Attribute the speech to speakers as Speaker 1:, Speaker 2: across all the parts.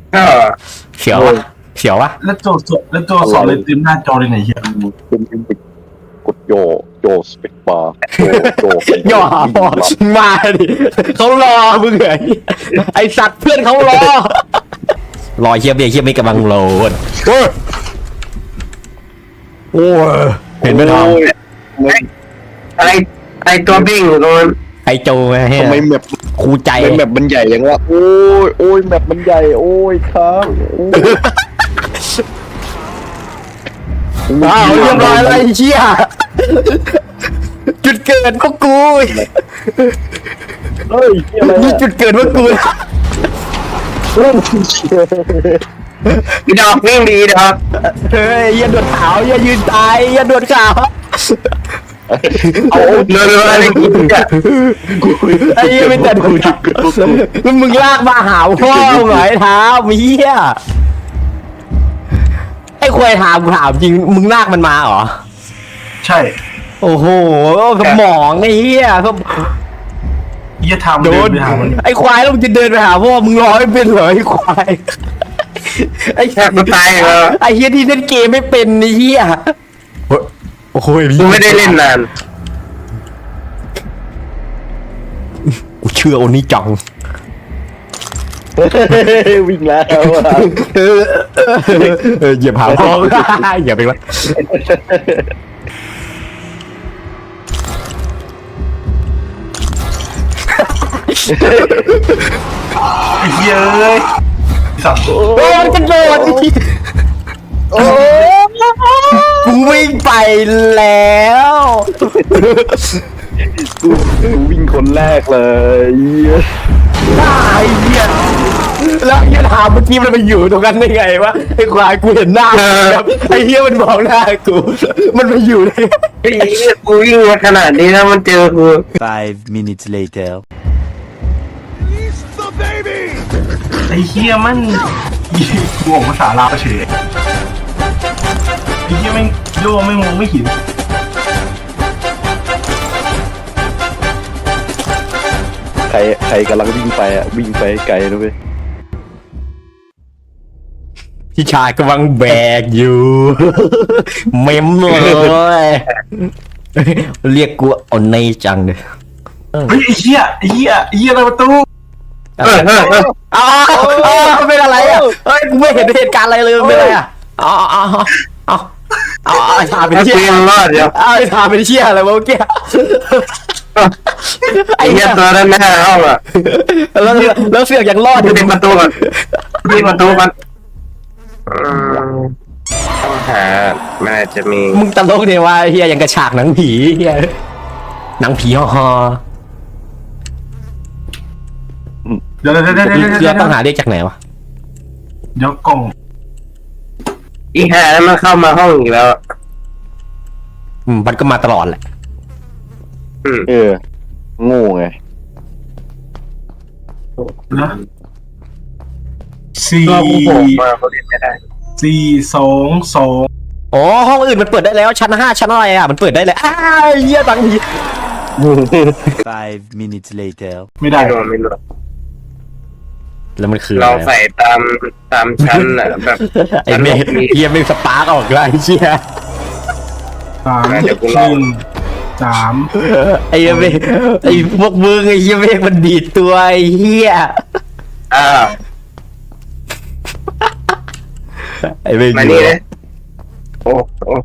Speaker 1: ก็
Speaker 2: เสียววะเสียววะ
Speaker 3: แล้วโจสอนเลยเต็มหน้าจอเลยไหนเหี้ย
Speaker 4: เป็นกดโยสเปกบาร์โย
Speaker 2: ย่อมาดิเขารอมึงเหรอไอสัตว์เพื่อนเขารอเฮียเบียร์เฮียไม่กำลังโหลดโอ้ยเห็นไหมทอม
Speaker 1: อะไรตัวบิ้งอยู่ตรงนั้น
Speaker 2: ไอโจไงเฮีย
Speaker 4: ทำไมแมป
Speaker 2: ครูใจ
Speaker 4: แมปมันใหญ่ยังวะโอ้ยแมปมันใหญ่โอ้ยครับ
Speaker 2: อ้าวเรียบร้อยแล้วไอ้เชี่ยจุดเกิดพวกกู
Speaker 4: เฮ้ยอะไร
Speaker 2: นี่จุดเกิดพวกกู
Speaker 1: อีดอกวิ่งดีดอก
Speaker 2: เฮ้ยอย่าโดดขาวอย่ายืนตายอย่าโดดขาว
Speaker 1: เอาเรืออะไรกินกัน
Speaker 2: ไอ้เหี้ยไม่แต่ดูดิมึงลากมาหาพ่อเหรอไอ้เท้าเฮียไอ้ควายถามกูถามจริงมึงลากมันมาเหรอ
Speaker 3: ใช่
Speaker 2: โอ้โหสมองไอ้เหี้ยเขา
Speaker 3: เหี้ยทำ
Speaker 2: โด
Speaker 3: เดิ
Speaker 2: น
Speaker 3: นไปหามัน
Speaker 2: ไอ้ควายแล้วมึงจะเดินไปหาพ่อมึงร้อยเป็นเหรอไอ้ควายไอ้
Speaker 1: แทบตายแล้ว
Speaker 2: ไอ้เหี้ยที่เล่นเกมไม่เป็นไอ้เหี้ยโอ้โห
Speaker 1: กูไม่ได้เล่นนาน
Speaker 2: กูเชื่อโอนี่จัง
Speaker 4: วิ่งแล้ว
Speaker 2: เหยียบหาพ่ออย่าไปวะ
Speaker 3: ไอ้เหี้ยเอ้ยสัตว์
Speaker 2: โอ้มันกระโดด
Speaker 4: โอ้
Speaker 2: กูวิ่งไปแล้ว
Speaker 4: กูวิ่งคนแรกเลย
Speaker 2: ตายเหี้ยแล้วยันถามเมื่อกี้มันไปอยู่ตรงนั้นได้ไงวะไอ้ควายกูเห็นหน้าแบบไอ้เหี้ยมันมองหน้ากูมันไปอยู่ได้
Speaker 1: ไอ้เหี้ยกูวิ่งมาขนาดนี้แล้วมันเจอกู
Speaker 5: 5 minutes later.
Speaker 3: ไอ้เหี้ยมันกูออกภาษาลาวเฉยไอ้เหี้ยแม่งโย่ไม่งงไม่หิน
Speaker 4: ใครกำลังวิ่งไปอ่ะวิ่งไปไกลนะเว้ย
Speaker 2: พี่ชายกำลังแบกอยู่เมมเลยเรียกกูเอาในจังเลย
Speaker 3: เฮ้ยไอ้เหี้ยอะไรประตู
Speaker 2: อ้าวเป็นอะไรอ่ะเฮ้ยกูไม่เห็นเหตุการณ์อะไรเลยเป็นอะไรอ่ะอ๋อไอ้ทาเป็น
Speaker 1: ถ้า
Speaker 2: เชี่
Speaker 1: กู
Speaker 2: ย
Speaker 1: ยังรอดอยู่
Speaker 2: ไอ้ทาเป็นเชี่ยอะไรวะเมื่อกี้
Speaker 1: ไอ้เหี้ยตัวนั้นหน้าห้องอ่ะ
Speaker 2: แล้วเสือกยังรอดอยู่
Speaker 1: ปิดประตูก่อนปิดประตูก่อนต้องหามันอาจจะมี
Speaker 2: มึงตลกเนี่ยว่าเฮียยังกระฉากหนังผีเฮียหนังผีฮอ
Speaker 3: เดี๋ยว
Speaker 2: เรือต้องหาเรียกจากไหนวะ
Speaker 3: เดี๋ยวกล่อง
Speaker 1: อีห่าแล้วมันเข้ามาห้องอีกแล้ว
Speaker 2: มันก็มาตลอดแหละ
Speaker 4: โง่ไง
Speaker 3: นะสี่
Speaker 1: ก็กูโผล่มาเขาเล่นไม่ได้
Speaker 3: 4 2 2
Speaker 2: อ๋อห้องอื่นมันเปิดได้แล้วชั้น5ชั้นอะไรอ่ะมันเปิดได้เลยอ้าวเฮียตังผี
Speaker 5: 5 minutes later.
Speaker 3: ไม่ได้
Speaker 1: ไม่รู้
Speaker 2: แล้วมันคือ
Speaker 1: เรา
Speaker 2: อะไร
Speaker 1: ใส่ตามชั้นอ่ะแบบ
Speaker 2: ไอ้เมฆเฮียไม่สปาร์กออกเลยไอ้เชี่ย
Speaker 3: 3
Speaker 2: ไอ้เมฆไอ้พวกมึงไอ้เฮียเมฆมันดีดตัวไอ้เฮีย
Speaker 1: อ้าว
Speaker 2: ไอ้เมฆ
Speaker 1: มานี่เลยโอ้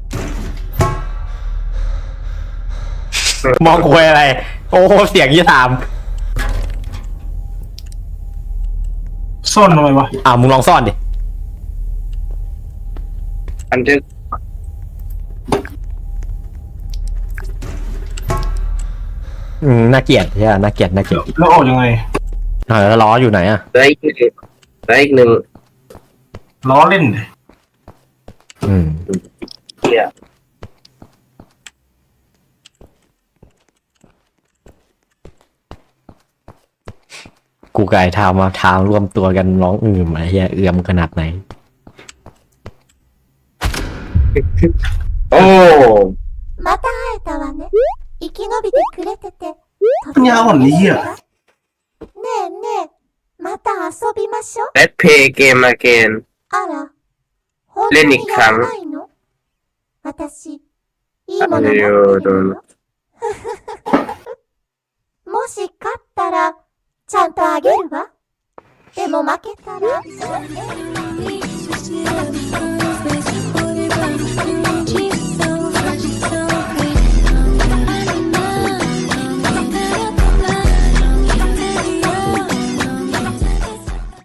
Speaker 2: มองคุยอะไร โอ้โหเสียงยี่ถาม
Speaker 3: ซ่อนทำไมวะ
Speaker 2: มึงลองซ่อนดิ
Speaker 1: บันทึก
Speaker 2: น่าเกลียดใช่ไหมน่าเกลียด
Speaker 3: แล้วออกยังไง
Speaker 2: แล้วล้ออยู่ไหนอ่ะ
Speaker 1: เหลืออีกหนึ่ง
Speaker 3: ล้อเล่นดิ
Speaker 1: เหี้ย
Speaker 2: กูกับไอ้ทามมาทามรวมตัวกันร้องไอ้เฮียเอือมขนาดไหน
Speaker 1: โอ้
Speaker 6: また会えたわね。生き延びてくれてて。
Speaker 3: ปัญญาอ่อนนี่เหี้ย
Speaker 6: ねえねえ、 また遊びましょう。
Speaker 7: Let's play game again
Speaker 6: あら、本当
Speaker 7: レニ
Speaker 6: に
Speaker 7: ックさん
Speaker 6: やらないの？私、いいもの持ってるの。もし勝ったら、ちゃんとあげるわ。でも負けたら、